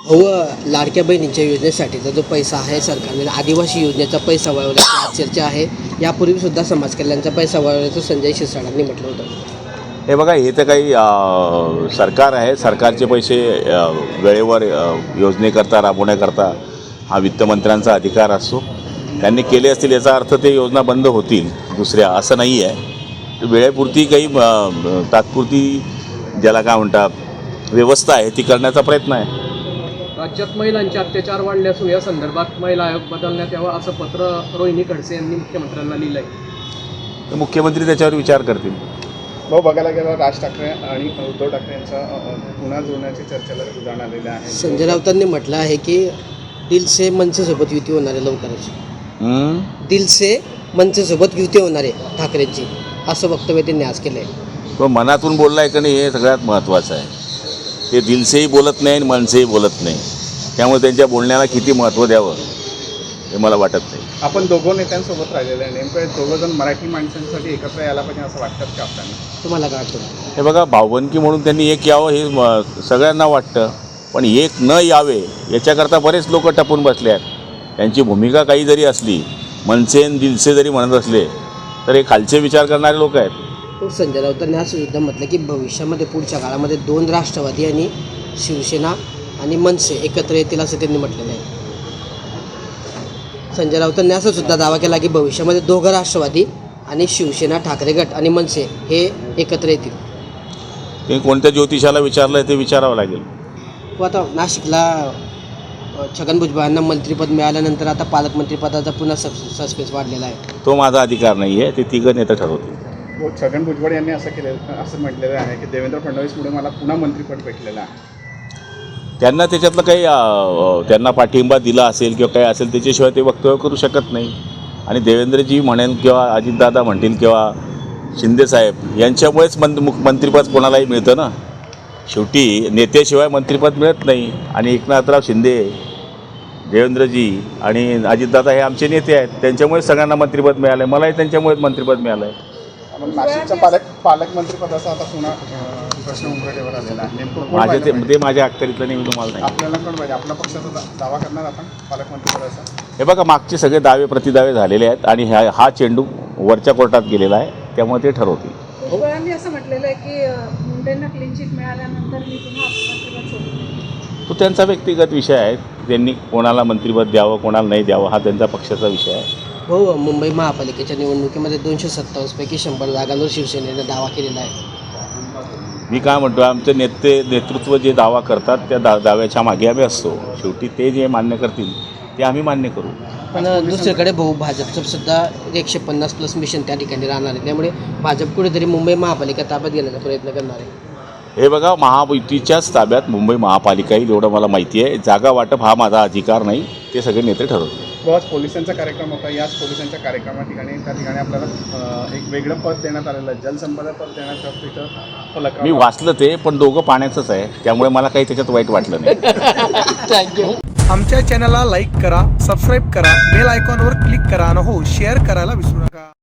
हो, लाडक्या बहिणींच्या योजनेसाठीचा जो पैसा आहे सरकारने आदिवासी योजनेचा पैसा वळवल्याची आज चर्चा आहे. यापूर्वीसुद्धा समाज कल्याणचा पैसा वळवल्याचं संजय शिरसाटांनी म्हटलं होतं. हे बघा, हे तर काही सरकार आहे. सरकारचे पैसे वेळेवर योजनेकरता राबवण्याकरता हा वित्तमंत्र्यांचा अधिकार असतो. त्यांनी केले असतील याचा अर्थ ते योजना बंद होतील दुसऱ्या असं नाही आहे. वेळेपुरती काही तात्पुरती ज्याला काय म्हणतात व्यवस्था आहे ती करण्याचा प्रयत्न आहे. राज्यात महिलांचे अत्याचार वाढले असून या संदर्भात महिला आयोग बदलण्यात यावा असं पत्र रोहिणी खडसे यांनी मुख्यमंत्र्यांना लिहिलं आहे. तर मुख्यमंत्री त्याच्यावर विचार करतील. भाऊ, बघायला गेलं राज ठाकरे आणि उद्धव ठाकरे यांचा पुन्हा जोडण्याची चर्चेला उदाहरण आलेलं आहे. संजय राऊतांनी म्हटलं आहे की दिल से मनसेसोबत युती होणार आहे लवकरच. दिल से मनसेसोबत युती होणार आहे ठाकरेंची, असं वक्तव्य त्यांनी आज केलं आहे. तो मनातून बोलला आहे का नाही हे सगळ्यात महत्त्वाचं आहे. ते दिलसेही बोलत नाही आणि मनसेही बोलत नाही. त्यामुळे त्यांच्या बोलण्याला किती महत्त्व द्यावं हे मला वाटत नाही. आपण दोघं नेत्यांसोबत राहिलेलं आहे. नेमकं दोघं जण मराठी माणसांसाठी एकत्र यायला पाहिजे असं वाटतं का आपल्याला? तुम्हाला काय वाटतं? हे बघा, भावबंदकी म्हणून त्यांनी एक यावं हे सगळ्यांना वाटतं, पण एक न यावे याच्याकरता बरेच लोक टपून बसले आहेत. त्यांची भूमिका काही जरी असली, मनसे आणि दिलसे जरी म्हणत असले तर हे खालचे विचार करणारे लोक आहेत. संजय राऊतांनी असं सुद्धा म्हटलं की भविष्यामध्ये पुढच्या काळामध्ये 2 राष्ट्रवादी आणि शिवसेना आणि मनसे एकत्र येतील असं त्यांनी म्हटलेलं आहे. संजय राऊतांनी असं सुद्धा दावा केला की भविष्यामध्ये 2 राष्ट्रवादी आणि शिवसेना, ठाकरे गट आणि मनसे हे एकत्र येतील. ते कोणत्या ज्योतिषाला विचारलं ते विचारावं लागेल. व आता नाशिकला छगन भुजबळांना मंत्रिपद मिळाल्यानंतर आता पालकमंत्रीपदाचा पुन्हा सस्पेन्स वाढलेला आहे. तो माझा अधिकार नाही आहे, ते तिघं नेते ठरवतील. छगन भुजबळ यांनी असं म्हटलेलं आहे की देवेंद्र फडणवीसमुळे मला पुन्हा मंत्रिपद भेटलेलं आहे. त्यांना त्याच्यातलं काही त्यांना पाठिंबा दिला असेल किंवा काही असेल त्याच्याशिवाय ते वक्तव्य करू शकत नाही. आणि देवेंद्रजी म्हणेल किंवा अजितदादा म्हणतील किंवा शिंदेसाहेब यांच्यामुळेच मंत्रिपद कोणालाही मिळतं ना. शेवटी नेत्याशिवाय मंत्रिपद मिळत नाही. आणि एकनाथराव शिंदे, देवेंद्रजी आणि अजितदादा हे आमचे नेते आहेत. त्यांच्यामुळे सगळ्यांना मंत्रिपद मिळालं आहे. मलाही त्यांच्यामुळेच मंत्रिपद मिळालं आहे. नाशिकच्या पालकमंत्रीपदाचा आता पुन्हा प्रश्न उमरठेवर आलेला आहे. नेमकं ते माझ्या अखत्यारीतलं नाही, मी तुम्हाला नाही. आपल्याला कोण पाहिजे? आपल्या पक्षाचा दावा करणार आपण पालकमंत्रीपदाचा? हे बघा, मागचे सगळे दावे प्रतिदावे झालेले आहेत आणि हा चेंडू वरच्या कोर्टात गेलेला आहे. त्यामुळे ते ठरवतील. भुजबळांनी असं म्हटलेलं आहे की मुंडेंना क्लीन चिट मिळाल्यानंतर मी पुन्हा मंत्रिपद सोडून तो त्यांचा व्यक्तिगत विषय आहे. त्यांनी कोणाला मंत्रिपद द्यावं कोणाला नाही द्यावं हा त्यांचा पक्षाचा विषय आहे. हो, मुंबई महापालिकेच्या निवडणुकीमध्ये 227 पैकी 100 जागांवर शिवसेनेने दावा केलेला आहे. मी काय म्हणतो, आमचे नेतृत्व जे दावा करतात त्या दाव्याच्या मागे आम्ही असतो. शेवटी ते जे मान्य करतील ते आम्ही मान्य करू. पण दुसरीकडे भाजपचं सुद्धा 150+ मिशन त्या ठिकाणी राहणार आहे. त्यामुळे भाजप कुठेतरी मुंबई महापालिका ताब्यात घेण्याचा प्रयत्न करणार आहे. हे बघा, महायुतीच्याच ताब्यात मुंबई महापालिका येईल एवढं मला माहिती आहे. जागा वाटप हा माझा अधिकार नाही, ते सगळे नेते ठरवतील. आज पोलिसांचा कार्यक्रम होता. याच पोलिसांच्या त्या ठिकाणी आपल्याला एक वेगळं पद देण्यात आलेलं आहे. जलसंपदा पद देण्यात तिथं फलक मी वाचलं ते, पण दोघं पाण्याचंच आहे. त्यामुळे मला काही त्याच्यात वाईट वाटलं नाही. थँक्यू. आमच्या चॅनलला लाईक करा, सबस्क्राईब करा, बेल आयकॉनवर क्लिक करा आणि हो शेअर करायला विसरू नका.